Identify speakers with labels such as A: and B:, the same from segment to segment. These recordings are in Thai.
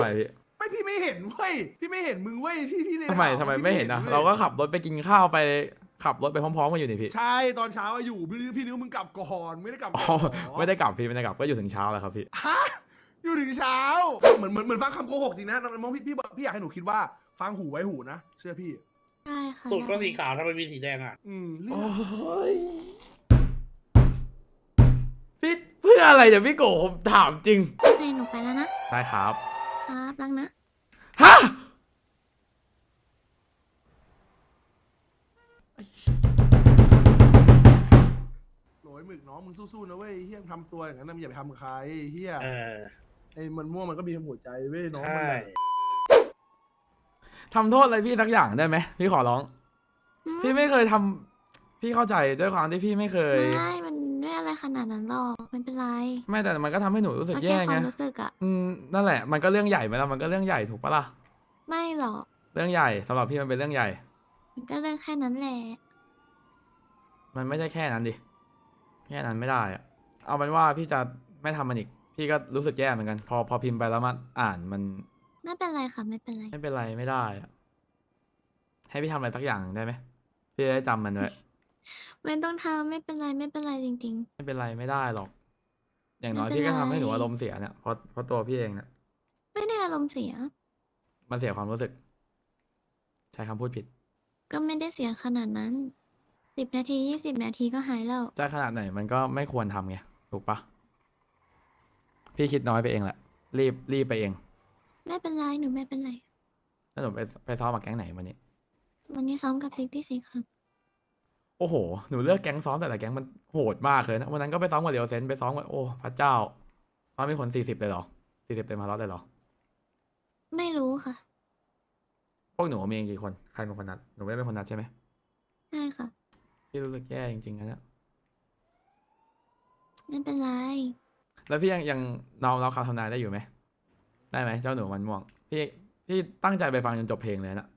A: มพี่
B: ไม่พี่ไม่เห็นเว้ยพี่ไม่เห็นมึงเว้ยที่ใน
A: ทำไม
B: ข่าว
A: ทำไม
B: พี่
A: ไม่เห็นอ่ะ
B: ว้ย
A: เราก็ขับรถไปกินข้าวไปขับรถไปพร้อมๆกันอยู่นี่พี่
B: ใช่ตอนเช้าอะอยู่พี่นึกว่ามึงกลับก่อนไม่ได้กลับ
A: อ๋อ
B: ก่อนหรอ
A: ไม่ได้กลับพี่ไม่ได้กลับก็อยู่ถึงเช้าแล้วครับพี่
B: ฮะอยู่ถึงเช้าเหมือนฟังคำโกหกจริงนะน้องพี่อยากให้หนูคิดว่าฟังหูไว้หูนะเชื่อพี่
C: ใช่ค่ะ
D: สูตรก็สีขาวทำไมมีสีแดงอ่ะ
B: เรื่
A: โอ้
B: อง
A: ยพี่เพื่ออะไรเดี๋ยวพี่โกผมถามจริง
C: โอเคหนูไปแล้วนะ
A: ได้ครับ
C: ครับรักนะ
A: ฮะ
B: โหลยหมึกน้องมึงสู้ๆนะเว้ยเฮียมึงทำตัวอย่างนั้นนะมึงอย่าไปทำกับใครเฮีย
D: เออ
B: ไอ้มันม่วงมันก็มีหัวใจเว้ยน้อง
D: ใช่
B: มันน่ะ
A: ทำโทษอะไรพี่สักอย่างได้ไหมพี่ขอร้อง
C: อืม
A: พี่ไม่เคยทำพี่เข้าใจด้วยความที่พี่ไม่เคย
C: ไม่มันไม่อะไรขนาดนั้นหรอกไม่เป็นไร
A: ไม่แต่มันก็ทำให้หนูรู้สึก
C: โอเค
A: แย่
C: ค
A: ไง
C: วามรู้สึกอะ
A: นั่นแหละมันก็เรื่องใหญ่ไหมล่ะมันก็เรื่องใหญ่ถูกปะล่ะ
C: ไม่หรอก
A: เรื่องใหญ่สำหรับพี่มันเป็นเรื่องใหญ่
C: มันก็เรื่องแค่นั้นแหละ
A: มันไม่ใช่แค่นั้นดิแค่นั้นไม่ได้อะเอาเป็นว่าพี่จะไม่ทำมันอีกพี่ก็รู้สึกแย่เหมือนกัน พอพิมพ์ไปแล้วมาอ่านมัน
C: ไม่เป็นไรค่ะไม่เป็นไร
A: ไม่เป็นไรไม่ได้อะให้พี่ทำอะไรสักอย่างได้ไหมพี่จะได้จำมันไว้
C: ไม่ต้องทำไม่เป็นไรไม่เป็นไรจริง
A: ไม่เป็นไรไม่ได้หรอก อย่างน้อย
C: ไม่เป็น
A: พี่ก็ทำให้หนู
C: ไร
A: อารมณ์เสียเนี่ยเพราะตัวพี่เองเนี่ย
C: ๆ ไม่ได้อารมณ์เสีย
A: มันเสียความรู้สึก ใช้คำพูดผิด
C: ก็ไม่ได้เสียขนาดนั้น10 นาที20 นาทีก็หายแล้ว
A: จะขนาดไหนมันก็ไม่ควรทำไงถูกปะพี่คิดน้อยไปเองแหละ รีบไปเอง
C: ไม่เป็นไรหนูไม่เป็นไร
A: แล้วหนูไปซ้อมกับแก๊งไหนวันนี้
C: วันนี้ซ้อมกับ66ค่ะ
A: โอ้โห หนูเลือกแก๊งซ้อมแต่ละแก๊งมันโหดมากเลยนะ วันนั้นก็ไปซ้อมกับเรียวเซนไปซ้อมกับโอ้พระเจ้าซ้อมมีคน40เลยเหรอ40เต็มพาร์ทเลยเหรอ
C: ไม่รู้ค่ะ
A: พวกหนูมีกี่คน ใครเป็นคนนัด หนูไม่ได้เป็นคนนัดใช่ไหม
C: ใช่ค่ะ
A: พี่รู้สึกแย่จริงๆนะเนี่ย
C: ไม่เป็นไร
A: แล้วพี่ยังน้องเราคำทำนายได้อยู่ไหม ได้ไหมเจ้าหนูมันม่วง พี่ตั้งใจไปฟังจนจบเพลงเลยนะ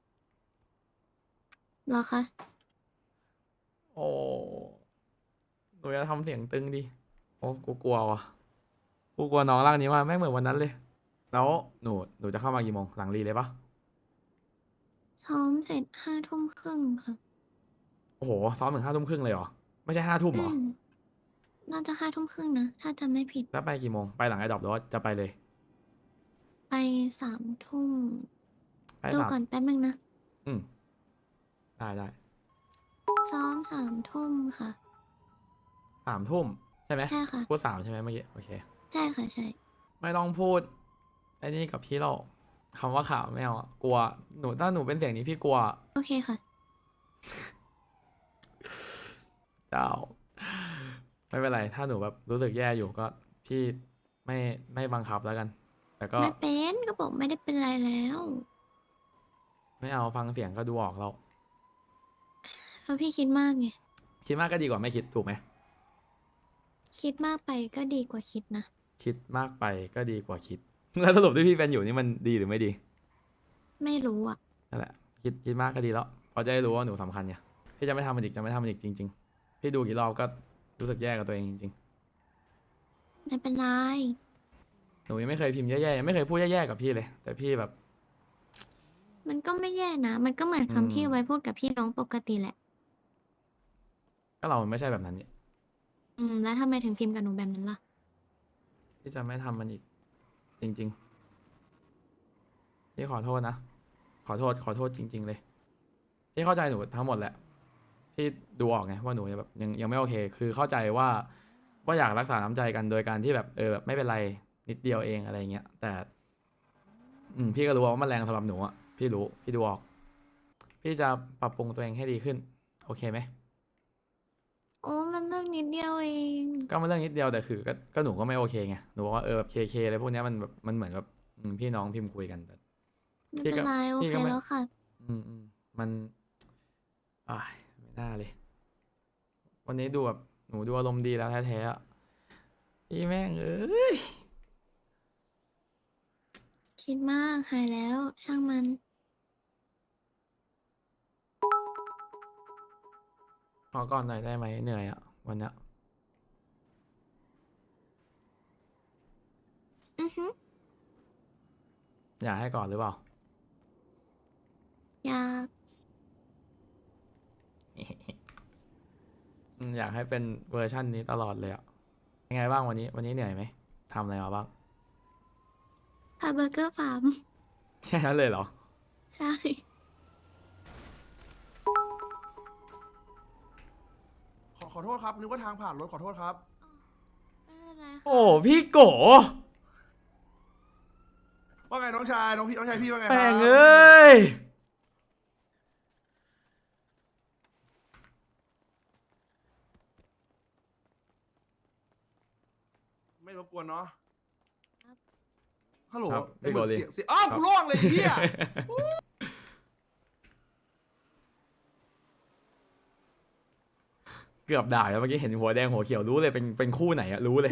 C: เหรอคะ
A: โอ้หนูจะทำเสียงตึงดิ โอ้กูกลัวว่ะ กูกลัวน้องร่างนี้มากแม่งเหมือนวันนั้นเลย แล้วหนูจะเข้ามากี่โมง หลังรีเลยปะ
C: ซ้อมเสร็จ5 ทุ่มครึ่งค่ะ
A: โอ้โห ซ้อมถึง5 ทุ่มครึ่งเลยเหรอ ไม่ใช่5 ทุ่มเหรอ
C: มน่าจะ5 ทุ่มครึ่งนะ ถ้าจำไม่ผิด
A: แล้วไปกี่โมง ไปหลังไอ้ดรอปหรือว่าจะไปเลย
C: ไป3 ทุ่ม
A: ไป
C: ดู
A: สาม
C: ก่อนแป๊บนึงนะ
A: อืมได้
C: ซ้อม3 ทุ่มค่ะ
A: 3 ทุ่มใช่ไหม
C: ใช่ค่ะ
A: พูด3ใช่ไหมเมื่อกี้ โอเค
C: ใช่ค่ะใช่
A: ไม่ต้องพูดไอ้นี่กับพี่เราคำว่าข่าวไม่เอาอะกลัวถ้าหนูเป็นเสียงนี้พี่กลัว
C: โอเคค่ะ
A: เจ้า ไม่เป็นไร ถ้าหนูแบบรู้สึกแย่อยู่ก็พี่ไม่บังคับแล้วกัน แต่ก็
C: ไม่เป็นก็บอกไม่ได้เป็นไรแล้ว
A: ไม่เอาฟังเสียงก็ดูออกเรา
C: เพราะพี่คิดมากไง
A: คิดมากก็ดีกว่าไม่คิดถูกไหม
C: คิดมากไปก็ดีกว่าคิดนะ
A: คิดมากไปก็ดีกว่าคิด แล้วสรุปที่พี่เป็นอยู่นี่มันดีหรือไม่ดี
C: ไม่รู้อ่ะ
A: นั่นแหละคิดมากก็ดีแล้วเพราะจะได้รู้ว่าหนูสำคัญไงพี่จะไม่ทำมันอีกจริง ๆ พี่ดูกี่รอบก็รู้สึกแย่กับตัวเองจริง
C: ไม่เป็นไร
A: ๆหนูยังไม่เคยพิมพ์แย่ๆยังไม่เคยพูดแย่ๆกับพี่เลย แต่พี่แบบ
C: มันก็ไม่แย่นะ มันก็เหมือน
A: อืม
C: คำที่ไว้พูดกับพี่น้องปกติแหละ
A: ก็เราไม่ใช่แบบนั้นนี่
C: แล้วทำไมถึงพิมพ์กับหนูแบบนั้นล่ะ
A: พี่จะไม่ทำมันอีก จริงๆพี่ขอโทษนะขอโทษจริง ๆ เลยพี่เข้าใจหนูทั้งหมดแหละพี่ดูออกไงว่าหนูแบบยังไม่โอเค คือเข้าใจว่าอยากรักษาน้ำใจกันโดยการที่แบบแบบไม่เป็นไรนิดเดียวเองอะไรเงี้ยแต่ พี่ก็รู้ว่ามันแรงสำหรับหนูอ่ะพี่รู้พี่ดูออก พี่จะปรับปรุงตัวเองให้ดีขึ้น โอเคไหม
C: โอ้มันเรื่องนิดเดียวเอง
A: ก็มันเรื่องนิดเดียวแต่คือก็หนูก็ไม่โอเคไงหนูบอกว่าแบบเคอะไรพวกเนี้ยมันแบบมันเหมือนแบบพี่น้องพิมพ์คุยกันแต่
C: ไม่
A: พี่
C: เป็
A: ก็
C: นไรโอ
A: พี่
C: เค
A: ก็ไม่
C: แล้วค่ะ
A: มันไม่น่าเลย วันนี้ดูแบบหนูดูอารมณ์ดีแล้วแท้ๆอะพี่แม่งเอ้ย
C: คิดมากหายแล้ว ช่างมัน
A: ขอก่อนหน่อยได้ไหมเหนื่อยอะวันเนี้ย
C: อือฮึ
A: อยากให้ก่อนหรือเปล่า
C: อยาก
A: อยากให้เป็นเวอร์ชั่นนี้ตลอดเลยอะยังไงบ้างวันนี้เหนื่อยไหมทำอะไรมาบ้าง
C: พาเบอร์เกอร์ฟาร์ม
A: แค่นั้นเลยเหรอ
C: ใช่
B: ขอโทษครับนึกว่าทางผ่านรถขอโทษครับ
C: ไม่เป็นไรค่ะ
A: โอ้พี่โก
B: ว่าไงน้องชายน้องชายพี่ว่าไงครับ
A: แม่งเอ้ย
B: ไม่รบกวนเนาะฮัลโหล
A: ครับ
B: ไอ้เบิร์ด
A: พี่โกลี
B: เสียอ้าวกูล่วงเลยไอ้เฮีย
A: เกือบด่าแล้วเมื่อกี้เห็นหัวแดงหัวเขียวรู้เลยเป็นคู่ไหนอะรู้เลย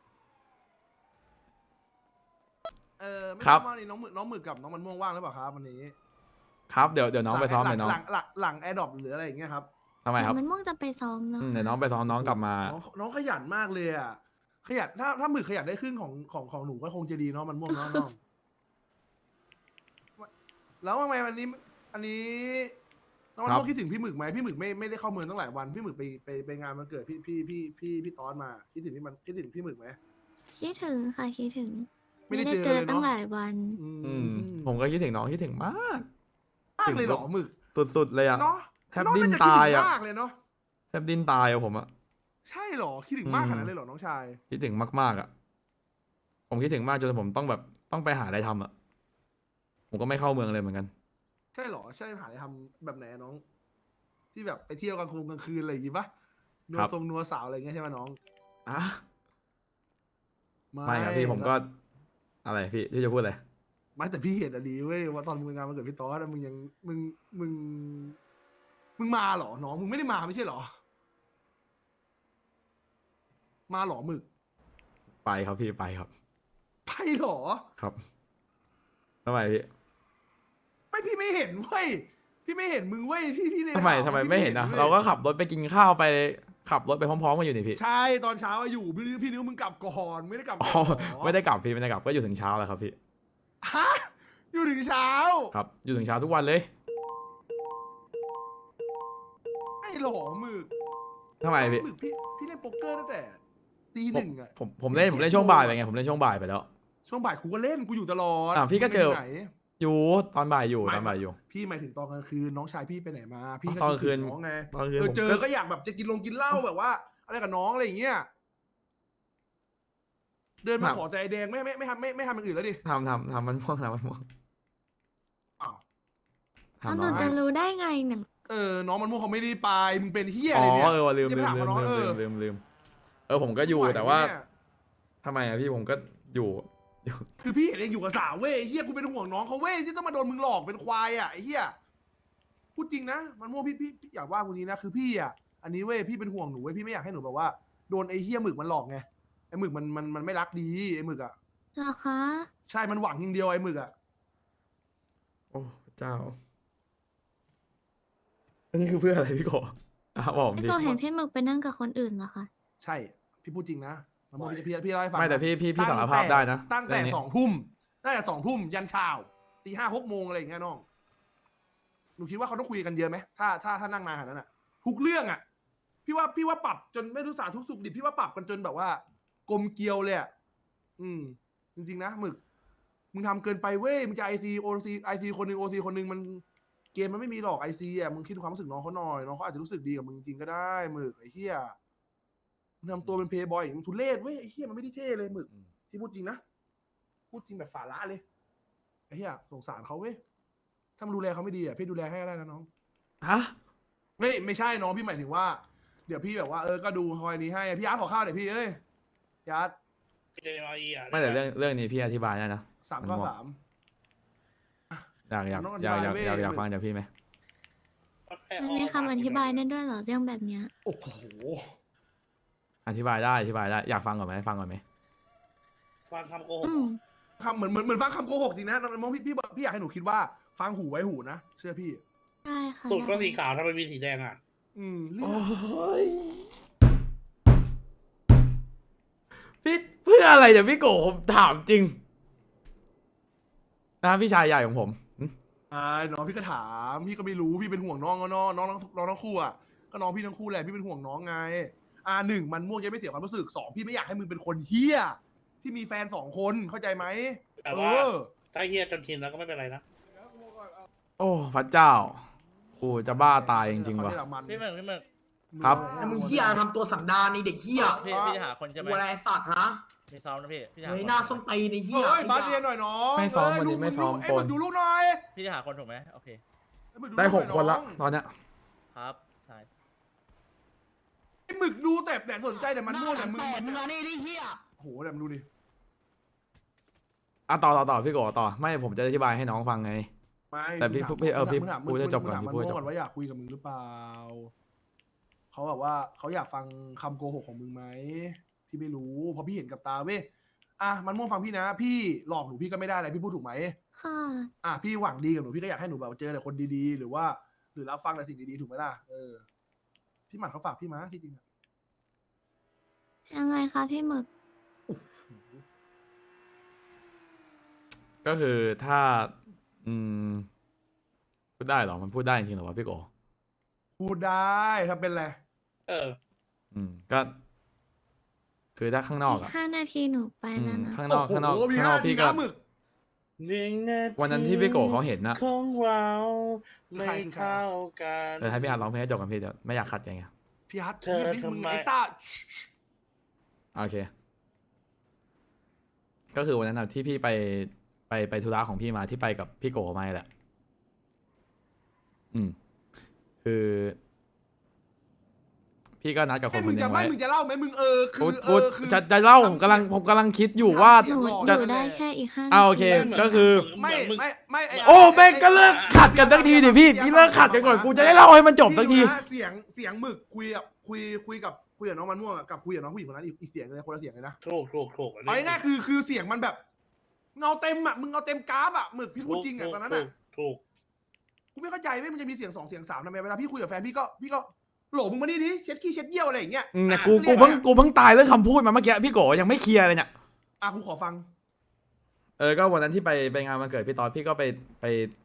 B: ไม่
A: ครับ
B: ว่านี่น้องหมึกกับน้องมันม่วงว่างหรือเปล่าครับวันนี้
A: ครับเดี๋ยวน้องไปซ้อม
B: หลั
A: เดี๋ยวน้อง
B: หลังแอร์ดรอปหรืออะไรอย่างเงี้ยครับ
A: ทำไมครับ
C: มันม่วงจะไปซ้อมแล้ว
A: เดี๋ยวน้องไปซ้อมน้องกลับมา
B: น้องขยันมากเลยอ่ะขยันถ้าหมึกขยันได้ครึ่งของหนูก็คงจะดีเนาะมันม่วงเนาะน้องแล้วทำไมวันนี้อันนี้น้องมันม่วงคิดถึงพี่หมึกไหมพี่หมึกไม่ได้เข้าเมืองตั้งหลายวันพี่หมึกไปงานวันเกิดพี่ตอนมาคิดถึงพี่หมึกไหม
C: คิดถึงค่ะคิดถึง
B: ไม่ได้เจอ
C: เจอ
B: เลยเนอะ
C: ตั้งหลายวัน
A: อืมผมก็คิดถึงน้องคิดถึงมาก
B: มากเลยเหรอหมึก
A: สุดๆเลยอะ
B: เนาะ
A: แทบดิ้นตายอะ
B: น้งน่จะคิดถึงมากเลยเนาะ
A: แทบดิ้นตายอะผมอะ
B: ใช่เหรอคิดถึงมากขนาดนั้นเลยเหรอน้องชาย
A: คิดถึงมากๆอะผมคิดถึงมากจนผมต้องไปหาอะไรทำอะผมก็ไม่เข้าเมืองเลยเหมือนกัน
B: ใช่เหรอใช่หาอะไรทำแบบไหนอะน้อง ที่แบบไปเที่ยวกลางคืนอะไรอย่างงี้ปะนัว
A: ครับ
B: ทรงนัวสาวอะไรอย่างเงี้ยใช่ไหมน้อง
A: อ่ะไม่ครับพี่ผมก็ อะไรพี่จะพูดอะไร
B: ไม่แต่พี่เห็นอะดีเว้ยว่าตอนมึงงานมันเกิดพี่ต๊อดอะมึงยังมึงมาเหรอน้องมึงไม่ได้มาไม่ใช่เหรอ มาเหรอหมึก
A: ไปครับพี่ไปครับ
B: ไปเหรอ
A: ครับทำไมพี่
B: ไม่พี่ไม่เห็นเว้ยพี่ไม่เห็นมึงเว้ยที่ใน
A: ทำไม
B: ข่าว
A: ไม่เห็นนะ
B: ว้ย
A: เราก็ขับรถไปกินข้าวไปขับรถไปพร้อมๆกันอยู่นี่พี่
B: ใช่ตอนเช้าอะอยู่พี่นิ้วมึงกลับก่อนไม่ได้กลับ
A: อ๋อ
B: ก่อนเหรอ
A: ไม่ได้กลับพี่ไม่ได้กลับก็อยู่ถึงเช้าแหละครับพี่
B: ฮะอยู่ถึงเช้า
A: ครับ อยู่ถึงเช้าทุกวันเลย
B: ไอ้หล่อหมึก
A: ทำไมพี่
B: หมึกพี่เล่นโป๊กเกอร์ตั้งแต่ตีหนึ่งอะ
A: ผมเล่นช่วงบ่ายไปไงผมเล่นช่วงบ่ายไปแล้ว
B: ช่วงบ่ายกูก็เล่นกูอยู่ตลอด
A: พี่ก็เจอ
B: มึงไปไหน
A: อยู่ตอนบ่ายอยู่
B: ไม่
A: ตอนบ่ายอยู่
B: พี่หมายถึงตอนกลางคืนน้องชายพี่ไปไหนมา พี่ก็
A: ตอนกลางคืน
B: ดถึน้องไง
A: ตอนคืนผม
B: เจอก็อยากแบบจะกินเหล้าแบบว่า อะไรกับน้องอะไรอย่างเงี้ยเดินมาขอแต่ไอแดงไม่ทำอย่างอื่นแล้วดิ
A: ทำมันม่วงมันม่วง
B: อ้าว
C: เอา
A: ทำ
C: หนู
A: น้อง
C: จะรู้ได้ไงเนี่ย
B: น้องมันม่วงเขาไม่ได้ไปมึงเป็นเฮีย
A: อ๋
B: อะไรเนี่ย
A: อว่ะลืม
B: อย่าไปถามว่าน้อง
A: ผมก็อยู่
B: ไหว
A: แต่ว่า
B: ไหมเนี่ย
A: ทำไมอะพี่ผมก็อยู่
B: คือพี่เห็นเองอยู่กับสาวเว้ยไอ้เฮียกูเป็นห่วงน้องเขาเว้ยที่ต้องมาโดนมึงหลอกเป็นควายอ่ะไอ้เฮียพูดจริงนะมันม่วงพี่อยากว่ากูนี้นะคือพี่อ่ะอันนี้เว้ยพี่เป็นห่วงหนูเว้ยพี่ไม่อยากให้หนูแบบว่าโดนไอ้เฮียหมึกมันหลอกไงไอ้หมึกมันไม่รักดีไอ้หมึกอ่ะ
C: เหรอคะ
B: ใช่มันหวังอย่างเดียวไอ้หมึกอ่ะ
A: โอ้เจ้า อันนี้คือเพื่ออะไรพี่โกบอกผม
C: พี่
A: ดิ
C: โกเห็นพี่หมึกไปนั่งกับคนอื่นเหรอคะ
B: ใช่พี่พูดจริงนะมันม่วงพี่เล่าให้ฟัง
A: ไม่แต่
B: นะ
A: พี่สารภาพได้นะ
B: ตั้งแต่
A: เรื่องนี้
B: 2 ทุ่มตั้งแต่2 ทุ่มยันเช้าตี 5-6 โมงอะไรอย่างเงี้ยน้องหนูคิดว่าเขาต้องคุยกันเยอะไหมถ้านั่งนานขนาดนั้นอ่ะทุกเรื่องอ่ะพี่ว่าปรับจนไม่รู้สาทุกสุขดิบพี่ว่าปรับกันจนแบบว่ากลมเกลียวเลยอ่ะจริงๆนะหมึกมึงทำเกินไปเว้ยมึงจะไอซีคนหนึ่งโอซีคนหนึ่งมันเกมมันไม่มีหรอกไอซีอ่ะมึงคิดความรู้สึกน้องเขาหน่อยน้องเขาอาจจะรู้สึกดีกับมึงจริงก็ได้หมึกไอ้เหี้ยมึงทำตัวเป็นเพย์บอยมึงทุเรศเว้ยไอ้เหี้ยมันไม่ได้เท่เลยหมึกที่พูดจริงนะพูดจริงแบบฝาละเลยไอ้เหี้ยสงสารเขาเว้ยถ้ามันดูแลเขาไม่ดีอ่ะพี่ดูแลให้ก็ได้นะน้อง
A: ฮะ
B: ไม่ใช่น้องพี่หมายถึงว่าเดี๋ยวพี่แบบว่าก็ดูคอยนี้ให้พี่อาร์ตขอข้าวหน่อยพี่เอ้ยพี่อาร์ต
D: เจรอยอ่ะ
A: ไม่แต่เรื่องนี้พี่อธิบายได้นะ
B: 3 ข้อ 3 น้องอธิบายเว้ย
A: อยากฟังจากพี่ไหม
C: มันมีคำอธิบายได้ด้วยเหรอเรื่องแบบเนี้ย
B: โอ้โห
A: อธิบายได้อยากฟังก่อนไหมฟังก่อนไหม
D: ฟังคำโกหก
C: อืม
B: คำเหมือนฟังคำโกหกจริงนะน้องพี่อยากให้หนูคิดว่าฟังหูไว้หูนะเชื่อพี่
C: ได้ค่ะ
D: สูตรก็
C: ได้
D: สีขาวทำไมมีสีแดงอ่ะ
B: เรื่อง
A: โอ้ยพี่เพื่ออะไรเดี๋ยวพี่โกผมถามจริงนะพี่ชายใหญ่ของผม
B: น้องพี่ก็ถามพี่ก็ไม่รู้พี่เป็นห่วงน้องก็น้องทั้งคู่อ่ะก็น้องพี่ทั้งคู่แหละพี่เป็นห่วงน้องไงหนึ่งมันม่วงจะไม่เสียความรู้สึกสองพี่ไม่อยากให้มึงเป็นคนเฮี้ยที่มีแฟน2 คนเข้าใจไหม
D: แต่ว่าถ้าเฮียจนชินแล้วก็ไม่เป็นไรนะ
A: โอ้พระเจ้ากูจะบ้าตายจริงๆว่ะ
D: พี่เมือง
A: ครับ
E: แล้วมึงเฮียทำตัวสันดานในเด็กเฮีย
F: พี่จะหาคนใช่ไหม
E: กูอะไรสัตว์ฮะ
F: มีซ้อมนะพี่จะหา
E: เฮ้ย
F: คน
E: หน้าส้มตีในเฮีย
B: เฮ้ยบาสเรียนหน่อยน้อง
A: ไม่ซ้อมวันนี้
B: ลูก
A: ไม่ซ้อม
B: ไอ้หมึกดูลูกหน่อย
F: พี่จะหาคนถูกไหมโอเค
B: ไอ้หมึก
A: ได้
B: ลูก
A: 6 คนละ
B: อง
A: ตอนเนี้ย
F: ครับใช่
B: ไอ้หมึกดูแต่สนใจแต่มันม่วงแต่มึง
E: มึงมานี่ดิเฮีย
B: โอ้โหแต่มึงดูดิ
A: ต่อพี่โกต่อไม่ผมจะอธิบายให้น้องฟังไง
B: ไม่
A: แต่พี่
B: มึงถาม
A: พี่
B: มึงถาม
A: พูดให้จบก่อน
B: มึงถาม
A: พี่พูดให้จบ
B: มันม่วงก่อนว่าอยากคุยกับมึงหรือเปล่าเขาแบบว่าเขาอยากฟังคำโกหกของมึงไหมพี่ไม่รู้เพราะพี่เห็นกับตาเว้ยมันม่วงฟังพี่นะ พี่หลอกหนูพี่ก็ไม่ได้อะไรพี่พูดถูกไหม
C: ค่ะ
B: พี่หวังดีกับหนูพี่ก็อยากให้หนูแบบเจอแต่คนดีๆ หรือว่า หรือรับฟังแต่สิ่งดีๆถูกไหมล่ะพี่หมัดเขาฝากพี่มาที่จริงอะ
C: ยังไงคะพี่หมึก
A: ก็คือถ้า พูดได้เหรอมันพูดได้จริงๆเหรอวะพี่โก
B: พูดได้ทำเป็นไร
A: ก็ คือถ้าข้างนอก
C: อี
A: อะ
C: ก5 นาทีหนูไปแล้วนะ
A: ข้างนอก
B: โอ้โหมี
A: ข้างนอก
B: 5
A: พี่
B: ที
A: ก็
B: นะหมึก
A: วันนั้นที่พี่โกเขาเห็นนะ
D: ของเรา
B: ไม่
D: ไม่เข้ากัน
A: แต่ให้พี่อาร์ตร้องเพลงให้จบกันพี่เดี๋ยวไม่อยากขัดใจไง
B: พี่ฮัท
D: เธอ
B: พี่มึง
D: ทำไม
B: ไอ้ต้า
A: โอเค ก็คือวันนั้นนะที่พี่ไปธุระของพี่มาที่ไปกับพี่โกมาแหละ คือ พี่ก็นัดกับคน
B: ไม่
A: ค
B: มึ
A: น
B: ง
A: หนึ
B: จะ
A: ง
B: ไม่
A: ไว้
B: มึงจะเล่าไหมมึงคือ
A: จะเล่าผมกำลังคิดอยู่ว่า
C: หนู
A: จะ
C: อยู่ได้แค่อีก5 นาที
A: โอเค ก็คือ
B: ไม่ไ
A: โอ้แม่งก็เลิกขัดกันสักทีดิพี่เลิกขัดกันก่อนกูจะได้เล่าให้มันจบสักที
B: พี่ดูนะเสียงหมึกคุยกับน้องมันม่วงอะกับคุยกับน้องผู้หญิงคนนั้นอีกเสียงเลยคนละเสียงเลยนะ
D: ถูก
B: เอาง่ายๆคือเสียงมันแบบเงาเต็มอ่ะมึงเงาเต็มกราฟอ่ะหมึกพี่พูดจริงอ่ะตอนนั้นอ่ะ
D: ถูก
B: กูไม่เข้าใจว่ามันจะมีเสียง2 เสียง 3ทำไมเวลาพี่คุยกับแฟนพี่ก็โหลมึงมานี่ดิเช็ดขี้เช็ดเยี่ยวอะไรอย่างเงี้ย
A: เนี่ยกูเพิ่งตายเรื่องคำพูดมาเมื่อกี้พี่โกยังไม่เคลียร์เลยเนี่ย
B: กูขอฟัง
A: ก็วันนั้นที่ไปงานวันเกิดพี่ตอนพี่ก็ไป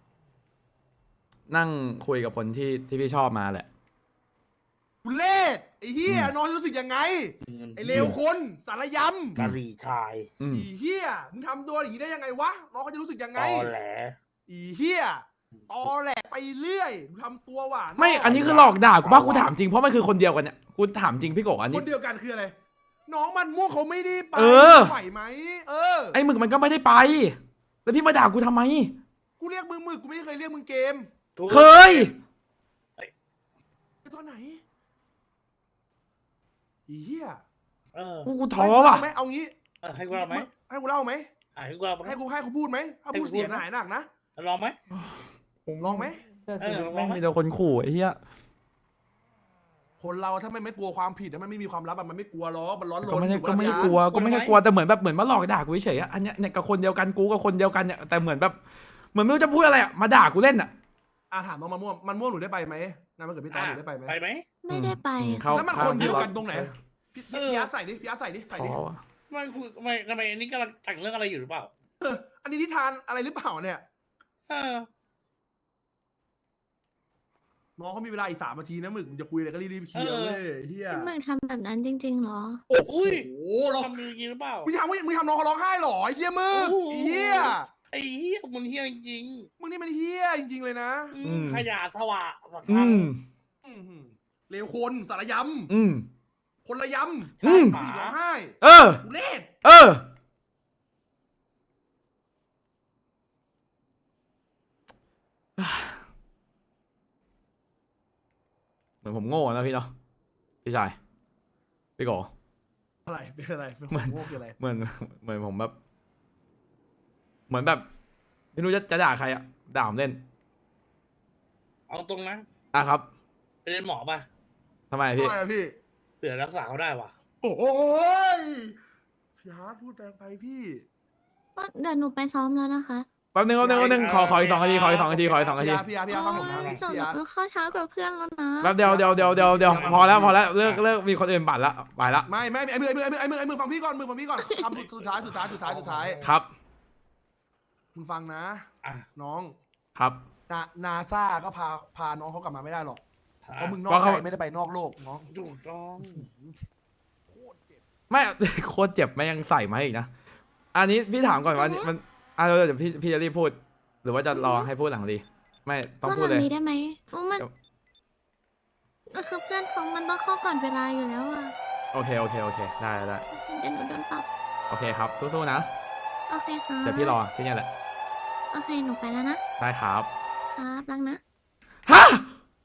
A: นั่งคุยกับคนที่พี่ชอบมาแหละ
B: ทุเรศไอ้เหี้ยน้องจะรู้สึกยังไงไอ้เลวคนสารยำ
D: กะหรี่ชาย
B: อีเหี้ยมึงทำตัวอย่างนี้ได้ยังไงวะน้องเขาจะรู้สึกยังไง
D: ตอแหล
B: อีเหี้ยตอแหลไปเรื่อยมึงทำตัวหวาน
A: ไม่อันนี้คือหลอกด่ากูป่ะกูถามจริงเพราะมันคือคนเดียวกันเนี่ยกูถามจริงพี่โกอัน
B: ค
A: นี้
B: นเดียวกันคืออะไรน้องมันม่วงเขาไม่ได้ไป
A: เออ
B: ไหวไหม
A: ไอ้หมึกมันก็ไม่ได้ไป แล้วพี่มาด่ากูทำไม
B: กูเรียกมึงกูไม่ได้เคยเรียกมึงเกม
A: เคย
B: ตอนไหนอีเหี้ย
A: กูท้อว่ะ
B: ไม่เอางี้
D: ให้กูเล่าไหม
B: ให้กูเล่าไหม
D: ให้กูเล่าไหม
B: ให้กูพูดไหมถ้าพูดเสียหายหนักนะ
D: ลองไหม
B: ลองไหม
A: แม่งมีแต่คนขู่ไอ้เหี้ย
B: คนเราถ้าไม่กลัวความผิดมันไม่มีความลับมันไม่กลัวหรอกมันร้อนรน
A: ก็ไม่ได้
B: อยู่
A: ก็ไม่ได้
B: บน
A: กลัว
B: ยาน
A: ก็ไม่ได้กลัวแต่เหมือนมาหลอกด่ากูเฉยๆอะอันเนี้ยเนี่ยกับคนเดียวกันกูกับคนเดียวกันเนี่ยแต่เหมือนแบบเหมือนไม่รู้จะพูดอะไรอะมาด่ากูเล่นอะ
B: ถามน้องมันม่วงหนูได้ไปไหมงานมันเกิดพี่ตอนหนูได้ไปไหม
D: ไปไหม
C: ไม่ได้ไป
A: เข้า
B: แล้วมันคนเดียวกันตรงไหนพี่อาร์ตใส่ดิพี่อาร์ตใส่ดิ
A: ท้อว่ะ
D: ไม่คือไม่ทำไมอันนี้กำลังแต่งเรื่องอะไรอยู่หรือเปล่า
B: อันนี้นิทานอะไรหรือเปล่าเนี่ย น้องเขามีเวลาอีก3 นาทีนะหมึกมึงจะคุยอะไรก็รีบๆเคลียร์เว้ยเฮีย
C: พี่หมึกทำแบบนั้นจริงๆเหรอ
B: โอ้โห
D: ทำจริงหรือเปล่า
B: มึงทำน้องเขาร้องไห้เหรอไอ้เฮียมึกไอ้เฮีย
D: ไอ้เหี้ยมันเหี้ยจริง
B: มึงนี่มันเฮียจริงๆเลยนะ
D: ขยะสวะสัง
A: อื
D: คัง
A: ม
B: เลวคนสารย
A: อืม
B: ำคนละย
A: อืม
B: ำผู้หญิงร้องไห้
A: เออ
B: ทุเรศ
A: เออเหมือนผมโง่นะพี่เนาะพี่ชายพี่โก
B: อะไรเป็นอะไรเป็นคนโง่คืออะไร
A: เหมือนผมแบบ เหมือนแบบไม่รู้จะด่าใครอะด่าผมเล่น
D: เอาตรงนะ
A: ครับ
D: ไปเรียนหมอป่ะ
A: ทำไมพี่
B: ทำไมอะพี่
D: เผื่อรักษาเขาได้ว่ะ
B: โอ้ยพี่ฮาร์ดพูดแรงไปพี่
C: เดี๋ยวหนูไปซ้อมแล้วนะคะ
A: แป๊บนึงขออีก2 นาทีขออีก2 นาที
B: พี่อาร์ฟังผมนะ
C: จบ
B: พี่
C: แล้
B: อาร์
C: วเข้าเช้ากับเพื่อนแล้วนะ
A: แป๊บเดียวพอแล้วเลิกมีคนอื่นบัตรละไปละ
B: ไม่ไอ้มือฟังพี่ก่อนคำสุดท้าย
A: ครับ
B: มึงฟังนะ
D: อ่ะ
B: น้อง
A: ครับ
B: นาซาก็พาน้องเขากลับมาไม่ได้หรอกเพราะมึงนอ
A: เพ
B: ก
A: ราะเขา
B: ใจไม่ได้ไปนอกโลกน้อง
D: ถูกต้อง
B: โคตรเจ็บ
A: ไม่ โคตรเจ็บไม่ยังใส่มาอีกนะ อันนี้พี่ถามก่อนว่ามันเดี๋ยวพี่จะรีบพูด หรือว่าจะรอให้พูดหลังดี ไม่ต้องพูดเลย
C: นี้ได้ไหมอ๋อมันคือเพื่อนเขามันต้องเข้าก่อนเวลาอยู่แล้วอ่ะ
A: โอเคได้
C: เดี๋ยวหนูโดนปรับ
A: โอเคครับสู้ๆนะ
C: โอเคครับ
A: เดี๋ยวพี่รอที่เนี่ยแหละ
C: โอเคหนูไปแล้วนะ
A: ได้ครับ
C: ครับรักนะ
A: ฮะ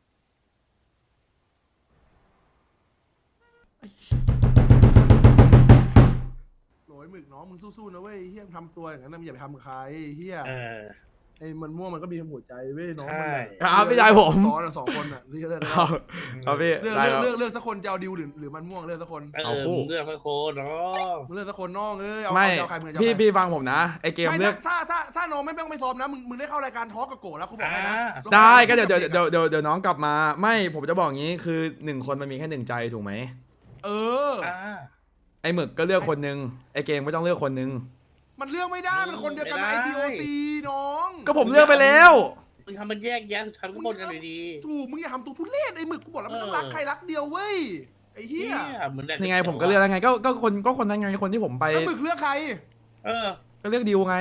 B: โหยหมึกน้องมึงสู้ๆนะเว้ยเฮียทำตัวอย่างนั้นนะมึงอย่าไปทำกับใครเฮีย
D: เออ
B: ไอ้มันม่วงมันก็มีหัวใจเว้ยน้อง
D: ใช่
B: มัน
A: ครับพี่ชายผม
B: ซ้อนอะ2 คนอ่ะเลือก
A: ครับครับพี่
B: เลือก
A: ได้ครับ
B: เลือกสักคนจะเอาดิวหรือมันม่วงเลือกสักคน
A: เอาคู่
D: มึงเลือกสักคนเนาะ
B: มึงเลือกสักคนน้องเอ้ยเอา
A: ไม่
B: เอาใครมึงจะเอา
A: พี่
B: ใคร
A: พี่ฟังผมนะไอเกม
B: ไม่
A: เลือก
B: ถ้าน้องไม่ต้องไปซ้อมนะมึงได้เข้ารายการทอล์กกับโกะแล้วกูบอกให้นะ
A: ได้ก็เดี๋ยวน้องกลับมา ไม่ผมจะบอกงี้คือ1 คนมันมีแค่1 ใจถูกไหม
B: เออ
D: อ่า
A: ไอหมึกก็เลือกคนนึงไอเกมก็ต้องเลือกคนนึง
B: มันเลือกไม่ได้มันคนเดียวกันนะ ICOC น้อง
A: ก็ผมเลือกไปแล้ว
D: มึงทำมันแยกแยะสุดท้ายก็หมดกันอยู่ดี
B: ถูกมึงอย่าทำตัวทุเรศไอ้หมึกกูบอกแล้วมันต้องรักใครรักเดียวเว้ยไอ้เหี้ย
D: เหมือนแดก
A: ยังไงผมก็เลือกแล้วไงก็คนนั้นไงคนที่ผมไป
B: แล้วหมึกเลือกใคร
D: เออ
A: ก็เลือกดิวไง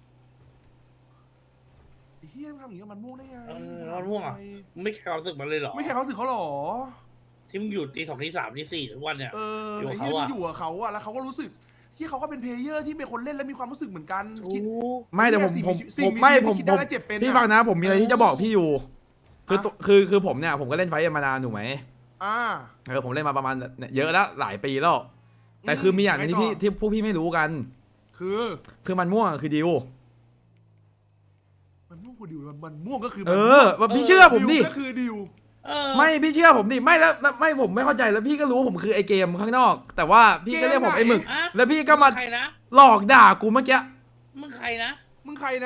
B: ไอ้เหี้ยมึงทำอย่างนี้กับมันม่วงได้ไง
D: มันม่วงอ่ะ มึงไม่แคร์ความรู้สึกมันเลยเหรอ
B: ไม่ใช่เขาสึกเขาหรอ
D: ที่มึงอยู่ตี 2 ตี 3 ตี 4ทุกวันเนี่ย
B: เออ
D: อยู่
B: ไอ้
D: กับ
B: เหี้ย
D: เขาอะ
B: มึงอยู่กับเขาอะแล้วเขาก็รู้สึกที่เขาก็เป็นเพลเยอร์ที่เป็นคนเล่นและมีความรู้สึกเหมือนกัน
D: ถู
B: คิด
D: ก
A: ไม่แต่ผม
B: สิ่ง
A: ผม
B: มี
A: ไม่
B: ชีวิต
A: ผม
B: ที่คิด
A: ผ
B: ได้
A: ม
B: และเจ็บเป็น
A: พี่
B: อะ
A: ฟังนะ ผมมีอะไรที่จะบอกพี่อยู่ คือ
B: อะ
A: คือผมเนี่ยผมก็เล่นไฟท์มานานถูกไหม
B: อ่า
A: ผมเล่นมาประมาณเยอะแล้วหลายปีแล้ว แต่คือมีอย่างหนึงที่พี่
B: ไงต่อ
A: ที่พวกพี่ไม่รู้กัน คือมันม่วงคือดิว
B: มันม่วงคือดิวมันม่วงก็คือ
A: เออว่าพี่เชื่อผมดิ
B: ดิวก็คือดิว
D: เออ
A: ไม่พี่เชื่อผมดิไม่แล้วไม่ผมไม่เข้าใจแล้วพี่ก็รู้ว่าผมคือไอเกมข้างนอก แต่ว่าพี่ก็เรียกผมไอหมึก
D: อะ
A: แล้วพี่ก็มา
D: ใครนะ
A: หลอกด่ากูเมื่อกี้
D: มึงใครนะ
B: มึงใครนะ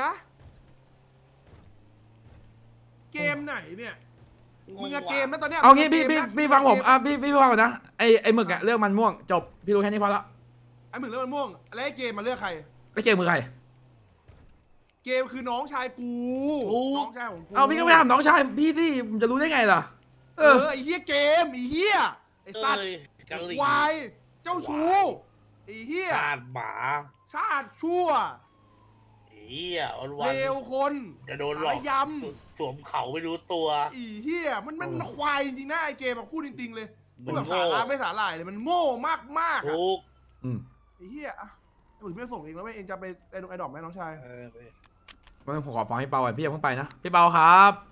B: เกมไหนเนี่ย มึงอะเกมนะตอนเนี้ย
A: เอางี้
B: มึ
A: พี่
B: กะ
A: พี่
B: เกนะ
A: พี่ฟังผม
B: เก
A: อ่ะพี่ฟังก่อนนะไอหมึกอะเลือกมันม่วงจบพี่รู้แค่นี้พอละ
B: ไอ้หมึกเลือกมันม่วงแล้วไอ้เกมมาเลือกใคร
A: ไอเกมมือใคร
B: เกมคือน้องชายกู
D: ถูก
B: น้องชายของกู
A: เอาพี่ก็ไม่ถามน้องชายพี่สิผมจะรู้ได้ไงล่ะ
B: เออไอ้เหี้ยเกมไอ้เหี้ยไอ้สัตว์
D: เอ้ยกะหรี่
B: วายเจ้าชู้ไอ้เหี้ย
D: ชาติหมา
B: ชาติชั่ว
D: เหี้ยวันวั
B: เล
D: น
B: วคน
D: จะโดนหลอก
B: สารย
D: สวมเขาไม่รู้ตัว
B: ำไอ้เหี้ยมันควายจริงๆนะไอ้เกมแบบพูดจริงๆเลย
D: มั
B: พูด
D: น
B: แบบ
D: โง่
B: สาระไม่สาหร่ายเลยมันโง่มากๆอะ
D: ทุก
A: อืม
B: ไอ้เหี้ยอะไอ้หมึกไม่ส่งเองแล้วเว้ยเองจะไปไอ้ดอกไหมน้องชาย
D: เออ
A: งั้นผมขอฟังพี่เปาก่อนพี่อย่าเพิ่งไปนะพี่เปาครับ